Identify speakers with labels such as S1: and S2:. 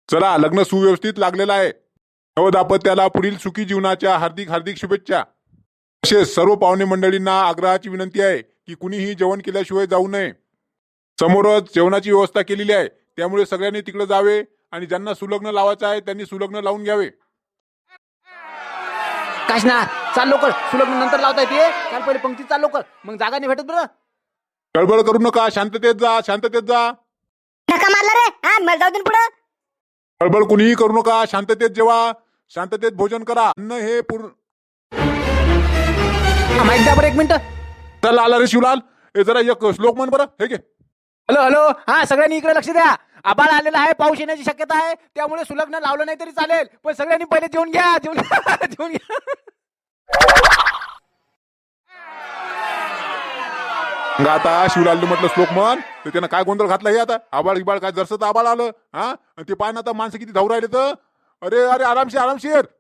S1: चला, लग्न सुव्यवस्थित लागलेलं आहे. नवदाम्पत्याला पुढील सुखी जीवनाच्या हार्दिक हार्दिक शुभेच्छा. तसेच सर्व पाहुणे मंडळींना आग्रहाची विनंती आहे की कुणीही जेवण केल्याशिवाय जाऊ नये. समोरच जेवणाची व्यवस्था केलेली आहे, त्यामुळे सगळ्यांनी तिकडे जावे आणि ज्यांना सुलग्न लावायचं आहे त्यांनी सुलग्न लावून घ्यावे.
S2: काशना चाल लवकर, सुलग्न नंतर लावता येते. चाल पहिले पंक्ती चाल लवकर, मग जागा नाही भेटत बरं.
S1: गडबड करू नका, शांततेत जा, शांततेत जा.
S3: धक्का मारला रे. हा मला जाऊ दे पुढं.
S1: गडबड कुणीही करू नका, शांततेत जेवा, शांततेत भोजन करा. अन्न हे पूर्ण.
S2: माहिती द्या बरं, एक मिनिट.
S1: चल आला रे शिवलाल, हे जरा एक श्लोक म्हण बरं. हे घे.
S2: हॅलो हॅलो, हा सगळ्यांनी इकडे लक्ष द्या. आबाळ आलेला आहे, पाऊस येण्याची शक्यता आहे, त्यामुळे सुलग्न लावलं नाही तरी चालेल, पण सगळ्यांनी पहिले जेवून घ्या, जेवून घ्या.
S1: मग आता शिवलाल म्हटलं श्लोक म्हण, तर त्यानं काय गोंधळ घातला हे आता. आबाळ गिबाळ काय जरसं आबाळ आलं. हा, आणि ते पाय ना आता माणसं किती धावू राहिले तर. अरे अरे, आरामशीर आरामशीर.